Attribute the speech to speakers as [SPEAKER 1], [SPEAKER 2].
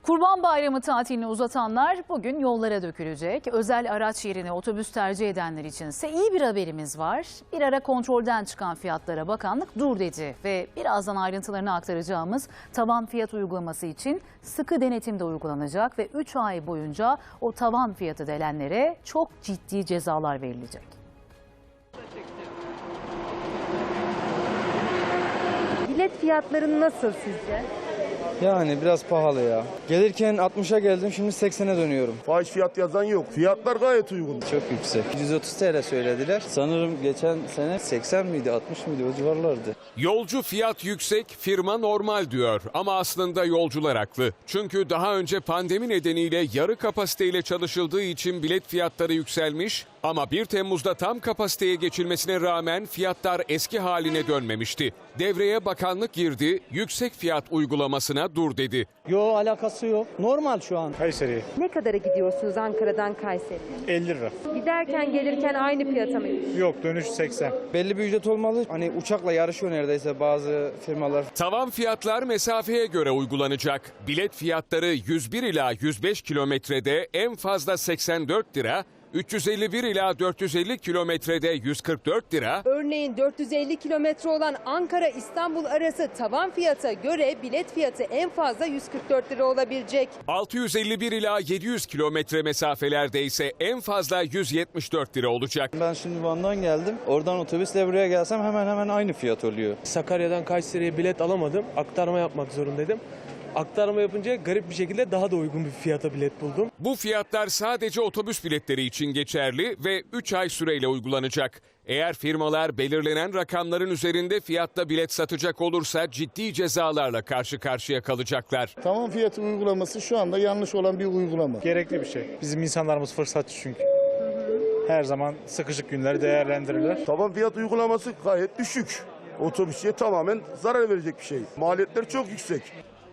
[SPEAKER 1] Kurban Bayramı tatilini uzatanlar bugün yollara dökülecek. Özel araç yerine otobüs tercih edenler içinse iyi bir haberimiz var. Bir ara kontrolden çıkan fiyatlara bakanlık dur dedi ve birazdan ayrıntılarını aktaracağımız tavan fiyat uygulaması için sıkı denetim de uygulanacak ve 3 ay boyunca o tavan fiyatı delenlere çok ciddi cezalar verilecek.
[SPEAKER 2] Bilet fiyatları nasıl sizce?
[SPEAKER 3] Yani biraz pahalı ya. Gelirken 60'a geldim, şimdi 80'e dönüyorum.
[SPEAKER 4] Fahiş fiyat yazan yok. Fiyatlar gayet uygun.
[SPEAKER 3] Çok yüksek. 130 TL söylediler. Sanırım geçen sene 80 miydi, 60 mıydı, o civarlardı.
[SPEAKER 5] Yolcu fiyat yüksek, firma normal diyor ama aslında yolcular haklı. Çünkü daha önce pandemi nedeniyle yarı kapasiteyle çalışıldığı için bilet fiyatları yükselmiş ama 1 Temmuz'da tam kapasiteye geçilmesine rağmen fiyatlar eski haline dönmemişti. Devreye bakanlık girdi, yüksek fiyat uygulamasına dur dedi.
[SPEAKER 3] Yo, alakası yok. Normal şu an.
[SPEAKER 6] Kayseri'ye
[SPEAKER 2] Ne kadara gidiyorsunuz Ankara'dan Kayseri'ye?
[SPEAKER 6] 50 lira.
[SPEAKER 2] Giderken gelirken aynı fiyata mı?
[SPEAKER 6] Yok, dönüş 80.
[SPEAKER 3] Belli bir ücret olmalı. Hani uçakla yarışıyor neredeyse bazı firmalar.
[SPEAKER 5] Tavan fiyatlar mesafeye göre uygulanacak. Bilet fiyatları 101 ila 105 kilometrede en fazla 84 lira, 351 ila 450 kilometrede 144 lira,
[SPEAKER 2] Örneğin 450 kilometre olan Ankara-İstanbul arası tavan fiyata göre bilet fiyatı en fazla 144 lira olabilecek.
[SPEAKER 5] 651 ila 700 kilometre mesafelerde ise en fazla 174 lira olacak.
[SPEAKER 3] Ben şimdi Van'dan geldim. Oradan otobüsle buraya gelsem hemen hemen aynı fiyat oluyor.
[SPEAKER 7] Sakarya'dan Kayseri'ye bilet alamadım. Aktarma yapmak zorundaydım. Aktarma yapınca garip bir şekilde daha da uygun bir fiyata bilet buldum.
[SPEAKER 5] Bu fiyatlar sadece otobüs biletleri için geçerli ve 3 ay süreyle uygulanacak. Eğer firmalar belirlenen rakamların üzerinde fiyatla bilet satacak olursa ciddi cezalarla karşı karşıya kalacaklar.
[SPEAKER 4] Tavan fiyatı uygulaması şu anda yanlış olan bir uygulama.
[SPEAKER 6] Gerekli bir şey. Bizim insanlarımız fırsatçı çünkü. Her zaman sıkışık günleri değerlendirirler.
[SPEAKER 4] Tavan fiyat uygulaması gayet düşük. Otobüsçüye tamamen zarar verecek bir şey. Maliyetler çok yüksek.